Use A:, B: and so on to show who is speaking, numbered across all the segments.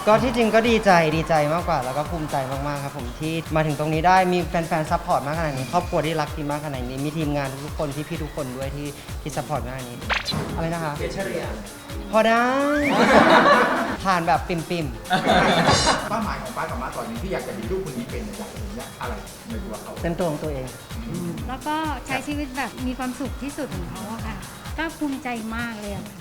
A: ก็ที่จริงก็ดีใจมากกว่าแล้วก็ภูมิใจมากๆครับผมที่มาถึงตรงนี้ได้มีแฟนๆซัพพอร์ตมากขนาดนี้ครอบครัวที่รักทีมมากขนาดนี้มีทีมงานทุกคนพี่ๆทุกคนด้วยที่ซัพพอร์ตมากขนาดนี้อะไรนะคะ
B: เกรดเฉลี่ย
A: พอได้ ผ่านแบบปิ่ม
C: เป้าหมายของป้ากับม้าตอนนี้ที่อยากจะมีลูกคนนี้เป็นอยากจะเห็นอะไรในตัวเขา
A: ๆเป็นตัวของตัวเอง
D: แล้วก็ใช้ชีวิตแบบมีความสุขที่สุดของเขาอะค่ะ ก็ภูมิใจมากเลยอะค่ะ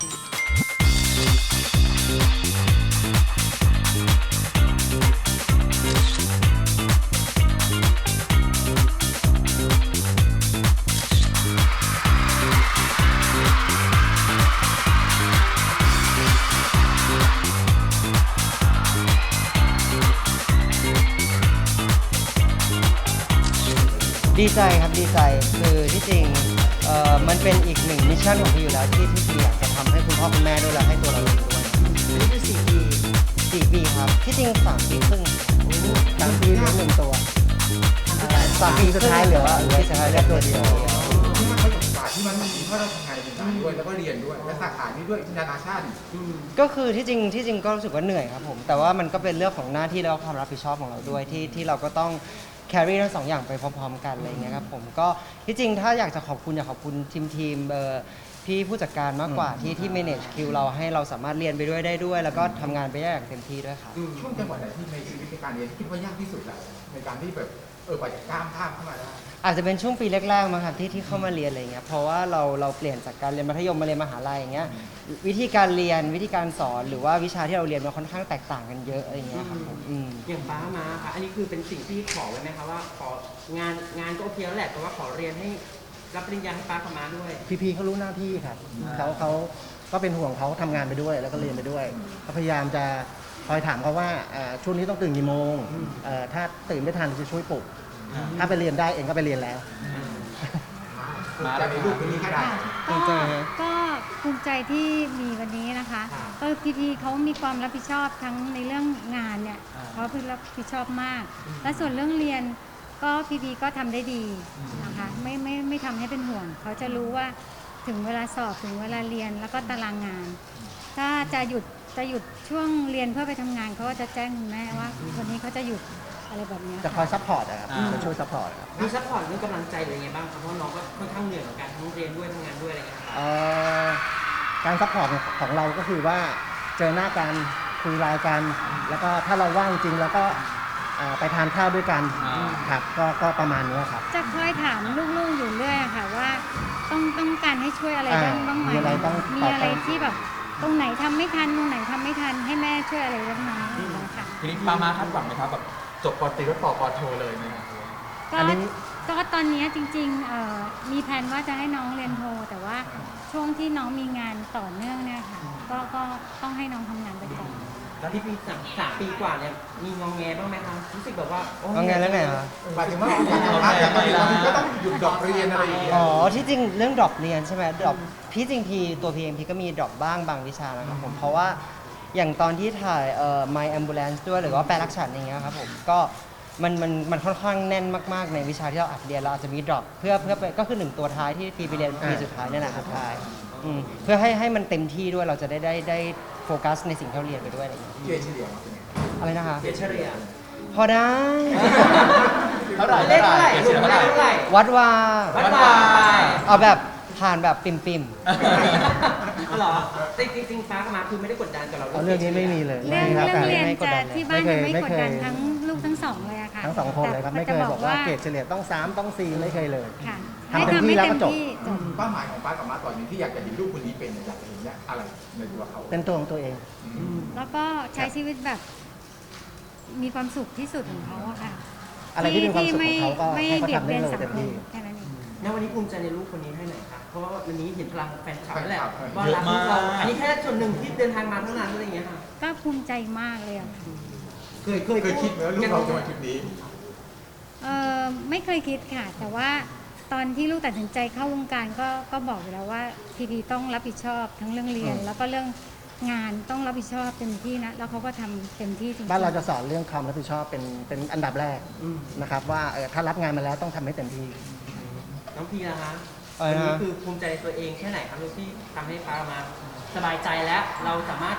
A: ดีใจครับดีใจคือที่จริงมันเป็นอีกหนึ่งมิชชั่นของพี่อยู่แล้วที่พี่อยากจะทำให้คุณพ่อคุณแม่ด้วยและให้ตัวเราเองด้วยนี่คือ4 ปีครับที่จริง3 ปีครึ่ง3 ปีเลี้ยง1 ตัว3 ปีสุดท้ายเหลือสุดท้ายเหลือตัวเดียว
C: ที่มันเขาจากศาสตร์ที่มันมีเพราะเราทำงานเป็นการด้วยแล้วก็เรียนด้วยและสาขานี้ด้วยนานาชาติ
A: ก็คือที่จริงก็รู้สึกว่าเหนื่อยครับผมแต่ว่ามันก็เป็นเรื่องของหน้าที่และความรับผิดชอบของเราด้วยที่เราก็ต้องแครี่ทั้ง2 อย่างไปพร้อมๆกันอะไรเงี้ยครับผมก็ที่จริงถ้าอยากจะขอบคุณทีมพี่ผู้จัดการมากกว่าที่ manage คิวเราให้เราสามารถเรียนไปด้วยได้ด้วย แล้วก็ทำงานไปได้อย่างเต็มที่ด้วยครับ
C: ช่วงจังหวะไหนที่ในชีวิตในการเรียนคิดว่ายากที่สุดแล้วในการที่แบบกว่าจะก้ามข้ามเข้ามาได้
A: อาจจะเป็นช่วงปีแรกๆมั้งครับที่เข้ามาเรียนอะไรเงี้ยเพราะว่าเราเปลี่ยนจากการเรียนมัธยมมาเรียนมหาลัยอย่างเงี้ยวิธีการเรียนวิธีการสอนหรือว่าวิชาที่เราเรียนมันค่อนข้างแตกต่างกันเยอะอะไรเงี้ยครับผม
B: อย่างป้ามาค่ะอันนี้คือเป็นสิ่งที่ขอไว้ไหมคะว่าของานก็โอเคแล้วแหละแต่ว่าขอเรียนให้รับปริญญาให้ป้ากับม้าด้วย
E: พี่เขารู้หน้าที่ครับเขาก็เป็นห่วงเขาทำงานไปด้วยแล้วก็เรียนไปด้วยก็พยายามจะคอยถามเขาว่าช่วงนี้ต้องตื่นกี่โมงถ้าตื่นไม่ทันจะช่วยปลุกถ้าไปเรียนได้เองก็ไปเรียนแล้ว
C: จะมีลูกคนนี้แค่ไหน
D: ก็ก็ภูมิใจที่มีวันนี้นะคะก็พีเขามีความรับผิดชอบทั้งในเรื่องงานเนี่ยเขาคือรับผิดชอบมาก และส่วนเรื่องเรียนก็พีก็ทำได้ดีนะคะไม่ทำให้เป็นห่วงเขาจะรู้ว่าถึงเวลาสอบถึงเวลาเรียนแล้วก็ตารางงาน ถ้าจะหยุดช่วงเรียนเพื่อไปทำงานเขาก็จะแจ้งคุณแม่ว่าวันนี้เขาจะหยุดอะไรแบบนี้
E: จะคอยซัพพอร์ตนะครับจะช่วยซัพพอร์ตครับ
B: มีซัพพอร์ตเรื่องกำลังใจหรือยังไงบ้างครับเพราะน้องก็ค่อนข้างเหนื่อยเหมือนกันทั้งเรียนด้วยทำงานด้วยอะไรอย่างเงี้ยครับ
E: การซัพพอร์ตของเราก็คือว่าเจอหน้ากันคุยไลน์กัน แล้วก็ถ้าเราว่างจริงแล้วก็ไปทานข้าวด้วยกันครับก็ประมาณนี้ครับ
D: จะคอยถามลูกๆอยู่เรื่อยอะค่ะว่าต้องการให้ช่วยอะไรบ้างไหม
E: มีอะไรต้อง
D: มีอะไรที่แบบตรงไหนทำไม่ทันตรงไหนทำไม่ทันให้แม่ช่วยอะไรบ้างไหมอย่างเงี้ยค่ะ
F: ทีนี้ปามาคาดหวังไหมครับแบบจบปตรีแล้วต่อปโทเลยไหมครับ
D: ก็ตอนนี้จริงๆมีแผนว่าจะให้น้องเรียนโท แต่ว่าช่วงที่น้องมีงานต่อเนื่องเนี่ยค่ะก็ต้องให้น้องทำงานไปก่อน
B: แล้วที่ปีสามปีกว่าเนี่ยมีงองแงบ้างไหมคะรู้สึกแบบว่าโ
A: เอาไงแล้วไงคะ
C: หมายถึงว่าอย่างบางทีก็ต้องหยุดดอกเรียนอะไรอย่างเงี้ย
A: อ๋อที่จริงเรื่องดรอปเรียนใช่ไหมดรอปพี่จริงตัวพีเองพี่ก็มีดรอปบ้างบางวิชานะครับผมเพราะว่าอย่างตอนที่ถ่ายMy Ambulance ด้วยหรือว่าแปลรักฉันอย่างเงี้ยครับผมก็มันค่อนข้างแน่นมากๆในวิชาที่เราอัดเรียนเราอาจจะมีดรอปเพื่อก็คือ1 ตัวท้ายที่พีไปเรียนปีสุดท้ายนี่แหละสุดท้ายเพื่อให้มันเต็มที่ด้วยเราจะได้โฟกัสในสิ่งที่เราเรียนไปด้วยอะไรอย่างเงี้ย
C: เกรดเฉลี่ยมาเป็นไง
A: อะไรนะคะ
B: เกรดเฉลี่ย
A: พอได้
F: เท่าไหร่
B: เลขเท่าไหร่
F: เกรดเฉลี่ยเท่าไหร่
B: เท่าไหร่
A: วัดว่า
B: วัดวาย
A: เอาแบบผ่านแบบปิ่ม
B: อ๋อเหรอจริงๆป้ากับม้าคือไม่ได้กดดันกับเรา
E: เรื่องนี้ไม่มีเลย
D: เรื่อง
E: คบ
D: เรียนจะที่บ้านจะไม่
E: ไม่
D: ก
E: เค
D: ด
E: ย
D: ดันทั้งลูกทั้งสองเลยอะค่ะ
E: ทั้งสองคนเลยครับไม่เคยบอกว่าเกรดเฉลี่ยต้อง3ต้อง4ไม่เคยเลย
D: ค่ะ
E: ทำเต็มที่แล้วก็จบ
C: เป้าหมายของป้ากับม้าตอนนี้ที่อยากจะมีลูกคนนี้เป็นอยากจะเห็นอะไรในตัวเขา
E: เป็นตัวของตัวเอง
D: แล้วก็ใช้ชีวิตแบบมีความสุขที่สุดของเขาอะค่ะ
E: อะไรที่เป็นความสุขของเขาก็
D: ไม่
E: ให้เขา
D: เบียด
E: ทำได้
D: เบียน
E: เลย
D: สัง
E: เต็ม
D: คม
E: ที่
D: แค่นั้นเอง
B: ณวันนี้ภูมิใจในลูกคนนี้แค่ไหนครับเพราะว่าวันนี้เห็นพลังแฟนคลับแล้วแหละ
C: แฟนคลับ
B: ว่ารักลูกเราอันนี้แค่ส่วนหนึ่งที่เดินทางมาเท่านั้นอะไรอย่างเงี้ยค่ะ
D: ก็ภูมิใจมากเลยอะค่ะ
C: เคยคิดไหมว่าลูกเราจะมาจุดนี้
D: ไม่เคยคิดค่ะ แต่ว่าตอนที่ลูกตัดสินใจเข้าวงการก็บอกอยู่แล้วว่าพีต้องรับผิดชอบทั้งเรื่องเรียน แล้วก็เรื่องงานต้องรับผิดชอบเต็มที่นะแล้วเขาก็ทำเต็มที่จริงๆ
E: บ้านเราจะสอนเรื่องความรับผิดชอบเป็นอันดับแรกนะครับว่าถ้ารับงานมาแล้วต้องทำให้เต็มที่
B: น้องพีนะคะ
A: อะไร
B: วัน
A: นะ
B: นี้คือภูมิใจในตัวเองแค่ไหนครับลูกที่ทำให้ป้ามาสบายใจแล้วเราสามารถ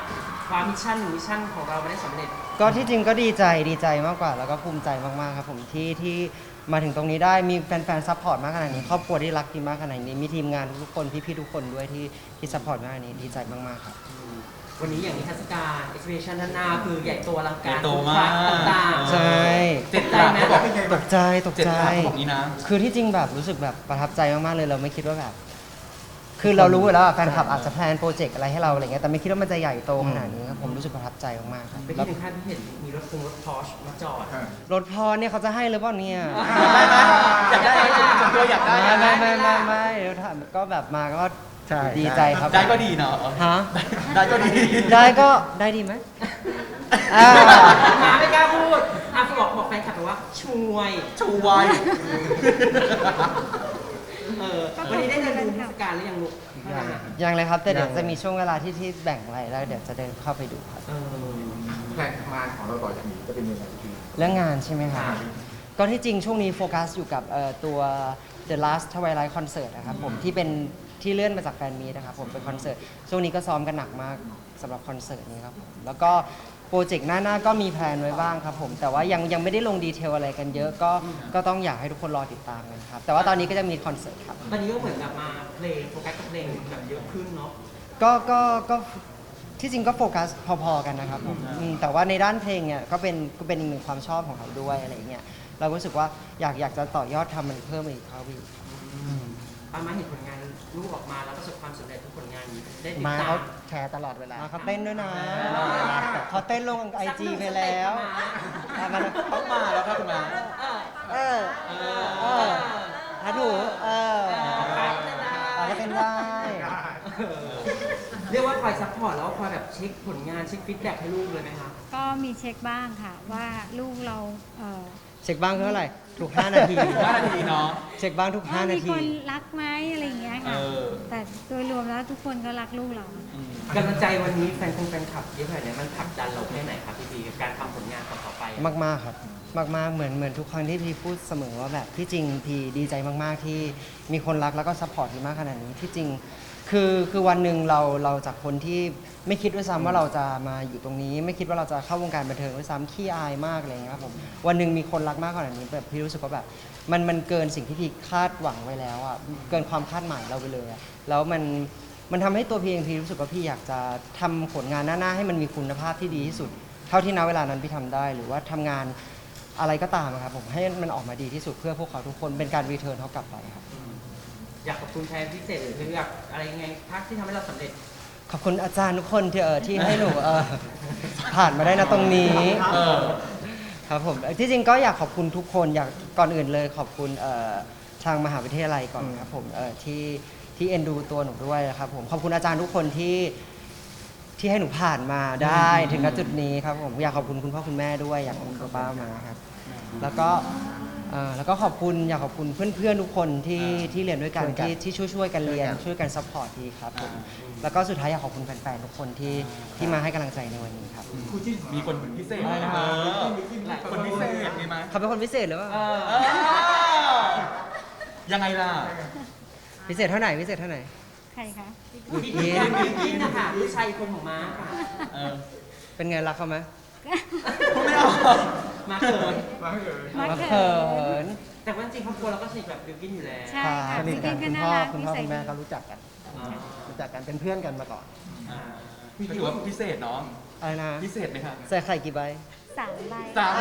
B: ความมิชชั่นของเราไม่ได้สำเร็จ
A: ก็ที่จริงก็ดีใจมากกว่า แล้วก็ภูมิใจมากๆครับผมที่มาถึงตรงนี้ได้มีแฟนๆซัพพอร์ตมากขนาดนี้ครอบครัวที่รักทีมมากขนาดนี้มีทีมงานทุกคนพี่ๆทุกคนด้วยที่ซัพพอร์ตมากขนาดนี้ดีใจมากๆครับ
B: วันนี้อย่างนิทรรศการ exhibition ด้านหน้าคือใหญ่โตอลังการ
F: ใหญ่โตมาก
B: ต่างๆ
A: ใช่
F: เจ็ดหลัก
B: ไหม
F: เขาบอก
A: ตกใจ
F: เจ็ดหลักเขาบอกนี้นะ
A: คือที่จริงแบบรู้สึกแบบประทับใจมากๆเลยเราไม่คิดว่าแบบ คือเรารู้อยู่แล้วอะแฟนคลับอาจจะแพลนโปรเจกต์อะไรให้เราอะไรเงี้ยแต่ไม่คิดว่ามันจะใหญ่โตขนาดนี้ครับผมรู้สึกประทับใจมากๆครับ
B: ไปที่ถึงขั้นที่เห็นมีรถพอร์ชมาจอด
A: รถพอเนี่ยเขาจะให้หรือเปล่าเนี่ย
F: อยากได้ไหมส่วนตัวอยากได้
A: ไม่เดี๋ยวถามก็แบบมาก็
E: ใช่
A: ดีใจครับ
F: ได้ก็ดีเนาะ
A: ฮะ
F: ได้ก็ดี
A: ได้ดีไหมอ่า
B: มาไม่กล้าพูดบอกแฟนคลับไปว่าช่วย
F: ชูไว
B: วันนี้ได้เดินดูนิทรรศการหรือยังลูก
A: ยังเลยครับแต่เดี๋ยว
E: ยัง
A: จะมีช่วงเวลาที่แบ่งอะไรแล้วเดี๋ยวจะเดินเข้าไปดูครับ
C: แผนงานของเราต่อจากนี้จะเป็นยังไงพี่
A: เรื่องงานใช่ไหมครับก็ที่จริงช่วงนี้โฟกัสอยู่กับตัว The Last Twilight Concert นะครับผมที่เป็นที่เลื่อนมาจากแฟนมีตนะครับผมเป็นคอนเสิร์ตช่วงนี้ก็ซ้อมกันหนักมากสำหรับคอนเสิร์ตนี้ครับผมแล้วก็โปรเจกต์หน้าก็มีแพลนไว้บ้างครับผมแต่ว่ายังไม่ได้ลงดีเทลอะไรกันเยอะก็ต้องอยากให้ทุกคนรอติดตามกันครับแต่ว่าตอนนี้ก็จะมีคอนเสิร์ตครับ
B: วันนี้ก็เหมือนกับมาเพลงโฟกัสกับเพลงแบบเยอะขึ้นเนาะ
A: ก็ที่จริงก็โฟกัสพอๆกันนะครับผมแต่ว่าในด้านเพลงเนี่ยก็เป็นอีกหนึ่งความชอบของเราด้วยอะไรเงี้ยเราก็รู้สึกว่าอยากจะต่อยอดทำมันเพิ่มอีกครับพี่
B: มาเห็นผลงานลูกออกมาแล้วประสบความสำเร็จทุกผลงานได้ติด
E: มา
B: ตา
E: เขา
B: ม
E: แชร์ตลอดเวลา
A: มาเขาเต้นด้วยนะเขาเต้นลงไอจีไปแล้วอ่ะมัน
F: ต้องมาแล้วครับคุณมา
A: ถ้าถูก็เต้นได้
B: เรียกว่าคอยซัพพอร์ตแล้วก็คอยแบบเช็คผลงานเช็คฟีดแบ็กให้ลูกเลยไหมคะ
D: ก็มีเช็คบ้างค่ะว่าลูกเรา
A: เช็คบ้างคือเท่าไหร่ทุก 5 นาที
F: 5 นาทีเนาะ
A: เช็คบ้างทุก 5 นา
D: มี
A: ที
D: คนรักไหมอะไรอย่างเงี้ยค่ะ
F: เออ
D: แต่โดยรวมแล้วทุกคนก็รักลูกเรา
B: กำลังใจวันนี้แฟนคลับเยอะขนาดนี้มันผลักดันเราแค่ไหนครับพี่พีกับการทำผลงานต่อไป
A: มากๆครับมากๆเหมือนทุกครั้งที่พี่พูดเสมอว่าแบบที่จริงพี่ดีใจมากๆที่มีคนรักแล้วก็ซัพพอร์ตพี่มากขนาดนี้ที่จริงคือวันหนึ่งเราจากคนที่ไม่คิดด้วยซ้ำว่าเราจะมาอยู่ตรงนี้ ไม่คิดว่าเราจะเข้าวงการบันเทิงด้วยซ้ำขี้อายมากอะไรอย่างเงี้ยครับผมวันหนึ่งมีคนรักมากขนาดนี้แบบพี่รู้สึกว่าแบบมันเกินสิ่งที่พี่คาดหวังไว้แล้วอ่ะเกินความคาดหมายเราไปเลยอะแล้วมันทำให้ตัวพี่เองพี่รู้สึกว่าพี่อยากจะทำผลงานหน้าให้มันมีคุณภาพที่ดีที่สุด เท่าที่ณเวลานั้นพี่ทำได้หรือว่าทำงานอะไรก็ตามอะครับผมให้มันออกมาดีที่สุดเพื่อพวกเขาทุกคนเป็นการรีเทิร์นเขากลับไปครับ
B: อยากขอบคุณแทนพิเศษหรืออยากอะไรยังไงพักที่ทำให้เราสำเร็จ
A: ขอบคุณอาจารย์ทุกคนที่ให้หนูผ่านมาได้นะตรงนี้ครับผมที่จริงก็อยากขอบคุณทุกคนอยากก่อนอื่นเลยขอบคุณทางมหาวิทยาลัยก่อนครับผมที่เอ็นดูตัวหนูด้วยนะครับผมขอบคุณอาจารย์ทุกคนที่ให้หนูผ่านมาได้ถึงณจุดนี้ครับผมอยากขอบคุณคุณพ่อคุณแม่ด้วยอยากขอบคุณป้ามาครับแล้วก็ขอบคุณอยากขอบคุณเพื่อนๆทุกคนที่เรียนด้วยกันที่ช่วยกันเรียนช่วยกันซัพพอร์ตดีครับผมแล้วก็สุดท้ายอยากขอบคุณแฟนๆทุกคนที่มาให้กำลังใจในวันนี้ครับ
F: มีคนพิเศษ
A: อะไรนะครับ
F: คนพิเศษมีไหม
A: เขาเป็นคนพิเศษหรือเปล่า
F: ยังไงล่ะ
A: พิเศษเท่าไหร่พิเศษเท่าไหร่
D: ใครคะ
B: พี่กินนะคะลูกชายอีกคนของม้าค่ะ
A: เป็นไงรักเขาไหม
F: พูดไม่ออก
B: มาเขิน
A: รักเขิน
B: แต่ว่าจริงๆครอบครัวเราก็สนิทแบบบิวกินอยู่แล้ว
D: ใช่ค่ะ
E: สนิทกัน
D: พี่
E: คุณ
D: น่า
E: พ่อ
D: รัก
E: คุณพ่อ
D: นิสัย
E: คุณแม่
D: ดี
E: เขารู้จักกันเป็นเพื่อนกันมาก่อน
F: ก็ถือว่าพิเศษเนาะ
A: อะไรนะ
F: พิเศษไหมครับ
A: ใส่ไข่กี่ใบ
D: 3 ใบ
F: 3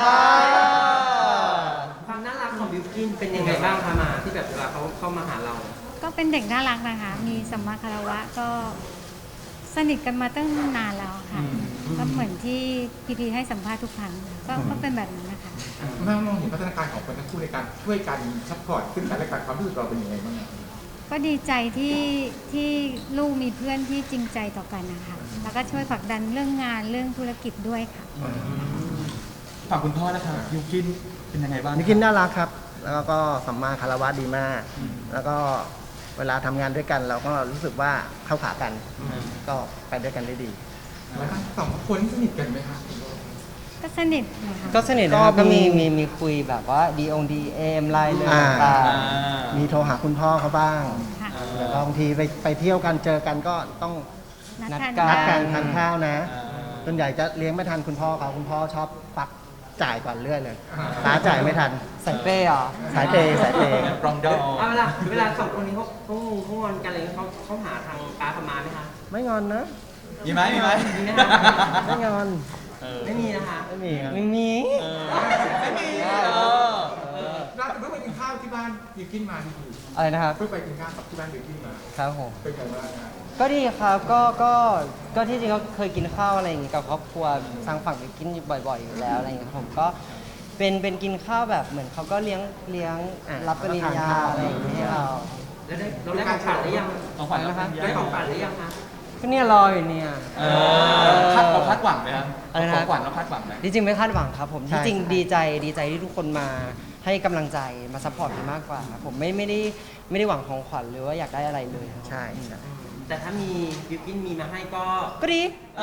B: ความน่ารักของบิวกินเป็นยังไงบ้างคะมาที่แบบเวลาเขาเข้ามาหาเรา
D: ก็เป็นเด็กน่ารักนะคะ มีสัมมาคารวะก็สนิทกันมาตั้งนานแล้วค่ะ ก็เหมือนที่พีให้สัมภาษณ์ทุกครั้งก็เป็นแบบนั้นนะคะ
C: แม่มองเห็นพัฒนาการของคนทั้งคู่ในการช่วยกันซัพพอร์ตซึ่งกันและกันความรู้สึกเราเป็นยังไงบ้าง
D: ก็ดีใจที่ลูกมีเพื่อนที่จริงใจต่อกันนะคะ แล้วก็ช่วยผลักดันเรื่องงานเรื่องธุรกิจด้วยค่ะ
F: ฝั่งคุณพ่อนะคะยูกินเป็นยังไงบ้าง
E: นิกินน่ารักครับ แล้วก็สัมมาคารวะดีมาก แล้วก็เวลาทำงานด้วยกันเราก็รู้สึกว่าเข้าขากัน ก็ไปด้วยกันได้ดี
C: แล้วสองคนสนิทกันไหมครับ
D: ก็สนิทนะคะ
A: ก็สนิทนะครับ
E: ก็
A: ก็
E: มี
A: มีคุยแบบว่าDM ไลน์เลย
E: อ่า
A: ต่าง
E: มีโทรหาคุณพ่อเขาบ้าง
D: ค่ะ
E: แล้วบางทีไปเที่ยวกันเจอกันก็ต้อง
D: นัด
A: นัด
D: ทาน
A: กั
E: นัด
D: ข้า
E: กั
D: วน
E: ทานข้าวนะ
F: อ่า
E: ส่วนใหญ่จะเลี้ยงไม่ทันคุณพ่อเขาคุณพ่อชอบปักจ่ายก่อนเรื่อยเลยป้าจ่ายไม่ทัน
A: ใส่เป้เหรอ
E: สายเปย์สายเปย์
F: รองดอ
B: เอาเวลาสองคนนี้เขางอนกันอะไรเงี้ยเขาหาทางป้าประมาณไหมคะ
E: ไม่งอนนะ
F: มีไหมมีไหม
B: มีไหมคะ
E: ไม่งอน
F: เออ
B: ไม่มีนะคะ
E: ไม่มีครับ
A: ไม่มี
F: เออไม่มีเออ
C: ล่าสุดเพิ่งไปกินข้าวที่บ้านบิวกินมาที่
A: อะไรนะครับ
C: เพิ่งไปกินข้าวกับที่บ้านบิวกินมา
A: ครับผม
C: เป็นไงบ้างฮะ
A: ก็ดีครับก็ที่จริงก็เคยกินข้าวอะไรอย่างงี้กับครอบครัวทางฝั่งไปกินบ่อยๆอยู่แล้วอะไรอย่างเงี้ยครับผมก็เป็นกินข้าวแบบเหมือนเขาก็เลี้ยงรับปริญญาอะไรอย่างเงี้ยให้เรา
B: แล้วเราได้ของขวัญหรือยัง
F: ของขวัญแล้ว
B: ได้ของขวัญหรือยังคะ
A: ก็เนี่ยรออยู่เนี่ย
F: เออเราคาดหวังไหมครับ
A: อะไรนะ
F: ของขวัญเราคาดหวังไหม
A: จริงๆไม่คาดหวังครับผม
E: ใช่
A: ที่จริง
E: ใช่
A: ดีใจที่ทุกคนมาให้กำลังใจมาซัพพอร์ตมากกว่าครับผมไม่ได้หวังของขวัญหรือว่าอยากได้อะไรเลยครับ
E: ใช่ใช่
B: แต่ถ้ามีบิวกินมีมาให้ก็
A: ก็ดี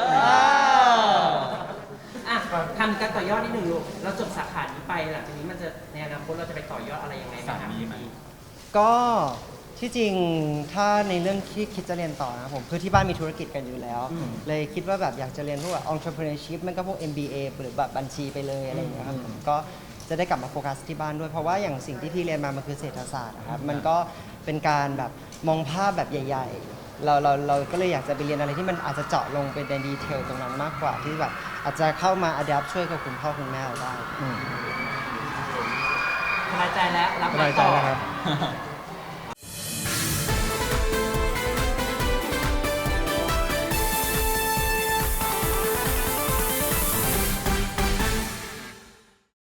B: อ่ะทำการต่อยอดนิดหนึ่งลูกเราจบสาขานี้ไปหลังจากนี้มันจะในอนาคตเราจะไปต่อยอดอะไรยังไงบ้าง
F: สามีไหม
A: ก็ที่จริงถ้าในเรื่องที่คิดจะเรียนต่อนะครับผมคือที่บ้านมีธุรกิจกันอยู่แล้ว เลยคิดว่าแบบอยากจะเรียนพวกแบบ entrepreneurship มันก็พวก MBA หรือแบบบัญชีไปเลยอะไรอย่างเงี้ยครับผมก็จะได้กลับมาโฟกัสที่บ้านด้วย เพราะว่าอย่างสิ่งที่พี่เรียนมามันคือเศรษฐศาสตร์นะครับมันก็เป็นการแบบมองภาพแบบใหญ่ ๆ เราก็เลยอยากจะไปเรียนอะไรที่มันอาจจะเจาะลงไปในดีเทลตรงนั้นมากกว่าที่แบบอาจจะเข้ามา adapt ช่วยกับคุณพ่อคุณแม่เราได้
B: สบายใจแล้วรับ
E: ส
B: ไม้
E: บายใจ
B: ต่อ
E: แล้วครับ